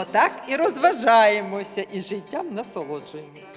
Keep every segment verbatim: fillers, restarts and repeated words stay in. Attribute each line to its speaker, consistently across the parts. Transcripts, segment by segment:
Speaker 1: так і розважаємося, і життям насолоджуємося.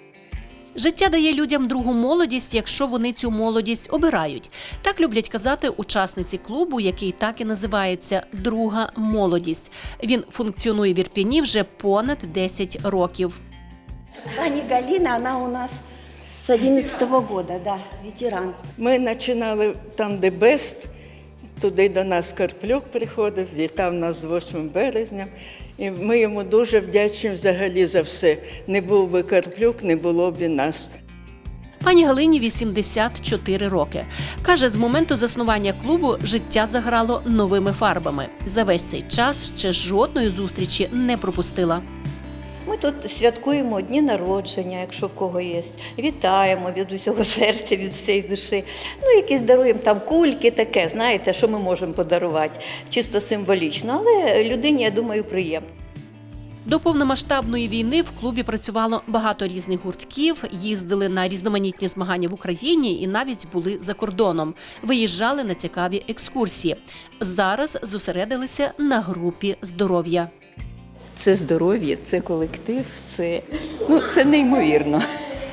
Speaker 2: Життя дає людям другу молодість, якщо вони цю молодість обирають. Так люблять казати учасниці клубу, який так і називається «Друга молодість». Він функціонує в Ірпені вже понад десять років.
Speaker 3: Пані Галина, вона у нас з одинадцятого года, да, ветеран.
Speaker 4: Ми починали там, де Бест, туди до нас Карплюк приходив, вітав нас з восьмим березня. І ми йому дуже вдячні взагалі за все. Не був би Карплюк, не було б і нас.
Speaker 2: Пані Галині вісімдесят чотири роки. Каже, з моменту заснування клубу життя заграло новими фарбами. За весь цей час ще жодної зустрічі не пропустила.
Speaker 5: Ми тут святкуємо дні народження, якщо в кого є. Вітаємо від усього серця, від всієї душі. Ну, якісь даруємо там кульки, таке, знаєте, що ми можемо подарувати, чисто символічно. Але людині, я думаю, приємно.
Speaker 2: До повномасштабної війни в клубі працювало багато різних гуртків, їздили на різноманітні змагання в Україні і навіть були за кордоном. Виїжджали на цікаві екскурсії. Зараз зосередилися на групі здоров'я.
Speaker 6: Це здоров'я, це колектив, це, ну, це неймовірно.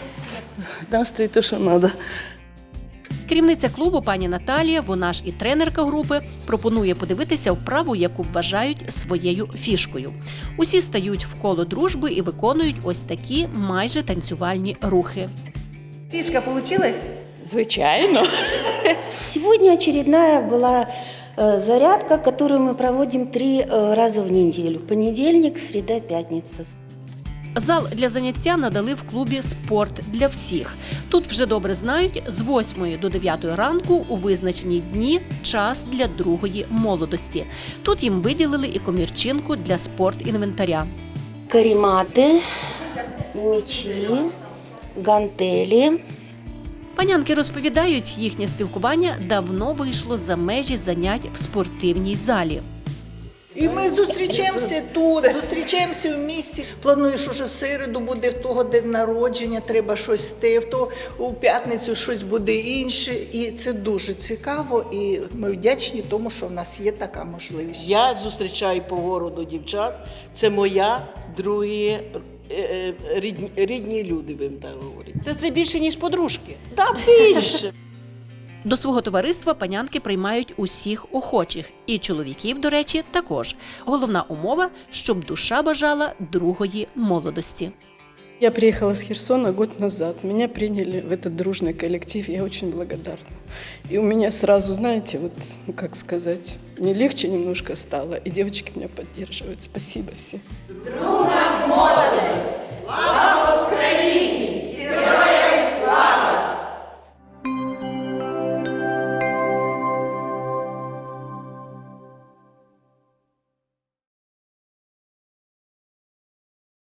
Speaker 6: Настрій те, що треба.
Speaker 2: Керівниця клубу пані Наталія, вона ж і тренерка групи, пропонує подивитися вправу, яку вважають своєю фішкою. Усі стають в коло дружби і виконують ось такі майже танцювальні рухи.
Speaker 7: Фишка получилась?
Speaker 6: Звичайно.
Speaker 3: Сегодня очередная была э, зарядка, которую мы проводим три э, раза в неделю. Понедельник, среда, пятница.
Speaker 2: Зал для заняття надали в клубі «Спорт для всіх». Тут вже добре знають, з восьмої до дев'ятої ранку у визначені дні час для другої молодості. Тут їм виділили і комірчинку для спортінвентаря.
Speaker 3: Карематы, мячи, гантели.
Speaker 2: Панянки розповідають, їхнє спілкування давно вийшло за межі занять в спортивній залі.
Speaker 7: І ми зустрічаємося тут, зустрічаємося в місті. Плануєш, уже в середу буде в того день народження, треба щось те, в то у п'ятницю щось буде інше. І це дуже цікаво, і ми вдячні тому, що в нас є така можливість.
Speaker 8: Я зустрічаю по городу дівчат, це моя, другі е, рідні, рідні люди, будемо так говорити. Це, це більше, ніж подружки. Та більше.
Speaker 2: До свого товариства панянки приймають усіх охочих. І чоловіків, до речі, також. Головна умова – щоб душа бажала другої молодости.
Speaker 9: Я приехала с Херсона год назад. Меня приняли в этот дружный коллектив. Я очень благодарна. И у меня сразу, знаете, вот, ну, как сказать, мне легче немножко стало. И девочки меня поддерживают. Спасибо всем. Друга молодость!